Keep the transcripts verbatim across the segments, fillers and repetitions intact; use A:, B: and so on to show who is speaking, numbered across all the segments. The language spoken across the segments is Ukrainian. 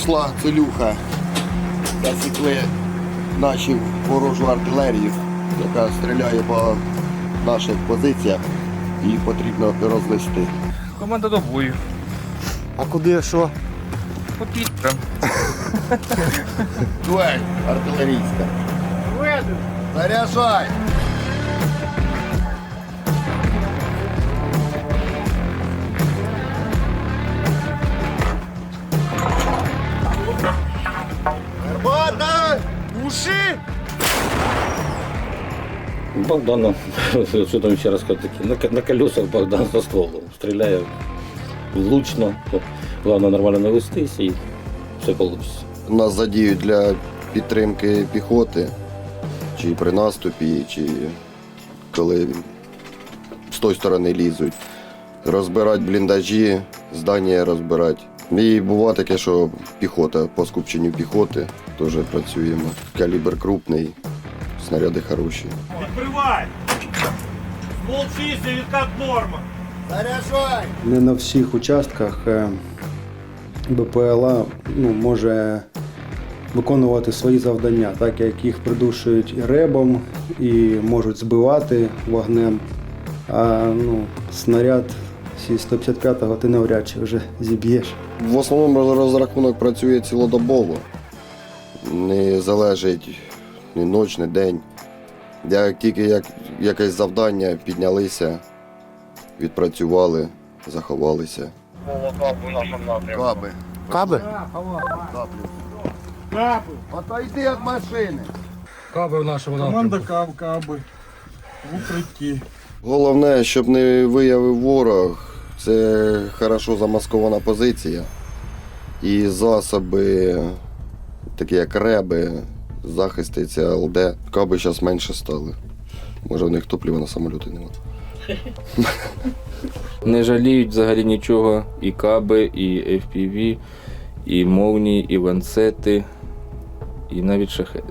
A: пішла целюха. Засікли нашу ворожу артилерію, яка стріляє по наших позиціях. Їх потрібно розвести.
B: Команда до бою.
C: А куди, що?
B: По підрам.
A: Дуель артилерійська. Заряджай! Гармата! Уши!
D: Богдана, що там ще раз сказати, на, на колесах Богдан со стволом. Стріляє влучно, головне нормально навестись і все вийде.
A: Нас задіють для підтримки піхоти, чи при наступі, чи коли з тої сторони лізуть. Розбирати бліндажі, здання розбирати. І буває таке, що піхота, по скупченню піхоти теж працюємо. Калібр крупний, снаряди хороші.
E: Відкривай! Ствол чистий, відкат норма.
A: Заряджай!
C: Не на всіх участках е, БПЛА ну, може виконувати свої завдання, так як їх придушують і ребом, і можуть збивати вогнем. А ну, снаряд зі сто п'ятдесят п'ятого ти навряд чи вже зіб'єш.
A: В основному розрахунок працює цілодобово. Не залежить ні ніч, ні день. Як тільки як, якесь завдання піднялися, відпрацювали, заховалися. Каби.
C: Каби?
A: Каплю.
E: Капи.
A: Отойди від машини.
C: Каби в нашому
E: Команда кап, каби. В укритті.
A: Головне, щоб не виявив ворог, це хорошо замаскована позиція. І засоби, такі як реби, захисти, це ЛД. Каби зараз менше стали. Може в них топлива на самоліти немає.
B: Не жаліють взагалі нічого. І каби, і еф пі ві, і молнії, і ланцети, і навіть шахеди.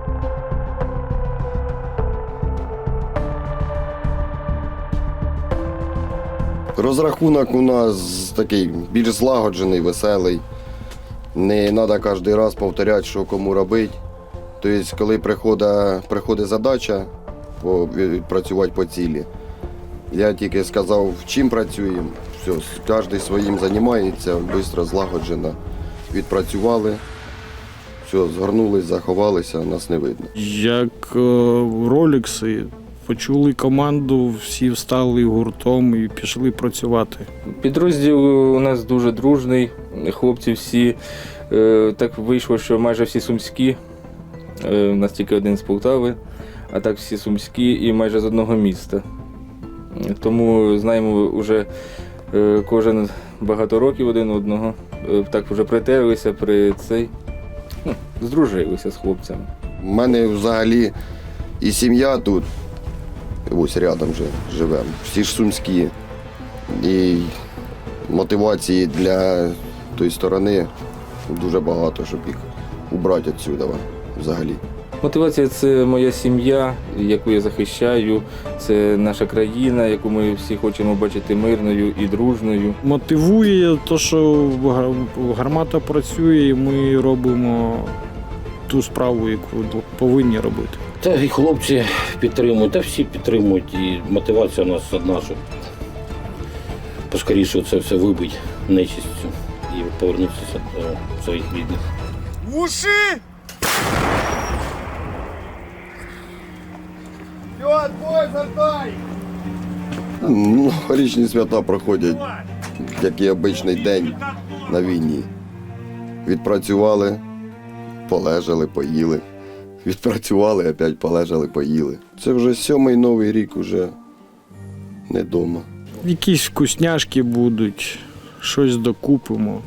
A: Розрахунок у нас такий більш злагоджений, веселий. Не треба кожен раз повторяти, що кому робити. Тобто, коли приходить, приходить задача відпрацювати по цілі, я тільки сказав, чим працюємо, все, кожен своїм займається, швидко, злагоджено. Відпрацювали, все, згорнулись, заховалися, нас не видно.
F: Як ролікси, почули команду, всі встали гуртом і пішли працювати.
B: Підрозділ у нас дуже дружний, хлопці всі, е, так вийшло, що майже всі сумські, е, у нас тільки один з Полтави, а так всі сумські і майже з одного міста. Тому знаємо вже е, кожен багато років один одного, е, так вже притерлися при цей, ну, здружилися з хлопцями.
A: У мене взагалі і сім'я тут, ось рядом вже живемо, всі ж сумські. І мотивації для тої сторони дуже багато, щоб їх убрати відсюди взагалі.
B: Мотивація – це моя сім'я, яку я захищаю, це наша країна, яку ми всі хочемо бачити мирною і дружною.
F: Мотивує те, що гармата працює, і ми робимо ту справу, яку повинні робити.
D: Та і хлопці підтримують, та всі підтримують. І мотивація у нас одна, щоб поскоріше це все вибити нечистю і повернутися до своїх рідних.
E: Уши!
A: Все, бой, зартай! Ну, річні свята проходять, як і обичний день на війні. Відпрацювали, полежали, поїли. Відпрацювали, опять полежали, поїли. Це вже сьомий новий рік, уже не вдома.
F: Якісь вкусняшки будуть, щось докупимо.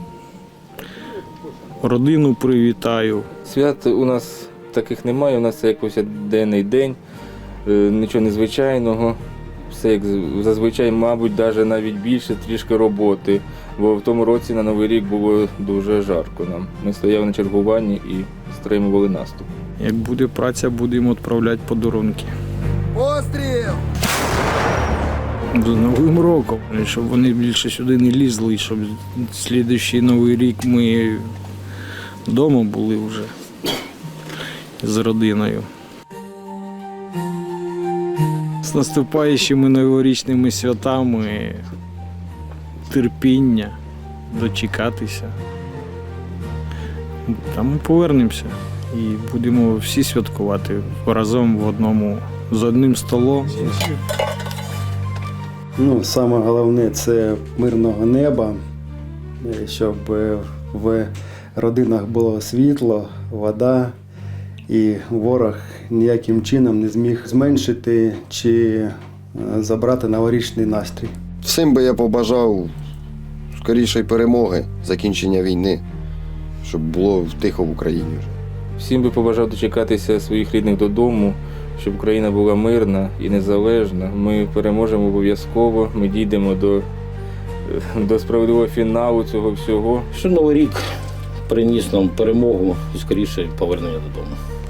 F: Родину привітаю.
B: Свят у нас таких немає, у нас це як повсякденний день, е, нічого незвичайного. Все як зазвичай, мабуть, навіть навіть більше трішки роботи, бо в тому році на Новий рік було дуже жарко нам. Ми стояли на чергуванні і стримували наступ.
F: Як буде праця, будемо відправляти подарунки.
A: Постріл!
F: З Новим роком, щоб вони більше сюди не лізли, щоб слідуючий Новий рік ми вдома були вже з родиною. З наступаючими новорічними святами, терпіння, дочекатися. Та ми повернемося і будемо всі святкувати разом в одному, з одним столом.
C: Ну, саме головне це мирного неба, е, щоб е, в родинах було світло, вода, і ворог ніяким чином не зміг зменшити чи е, забрати новорічний настрій.
A: Всім би я побажав скорішої перемоги, закінчення війни, щоб було тихо в Україні вже.
B: Всім би побажав дочекатися своїх рідних додому, щоб Україна була мирна і незалежна. Ми переможемо обов'язково, ми дійдемо до, до справедливого фіналу цього всього.
D: Що Новий рік приніс нам перемогу і скоріше повернення додому.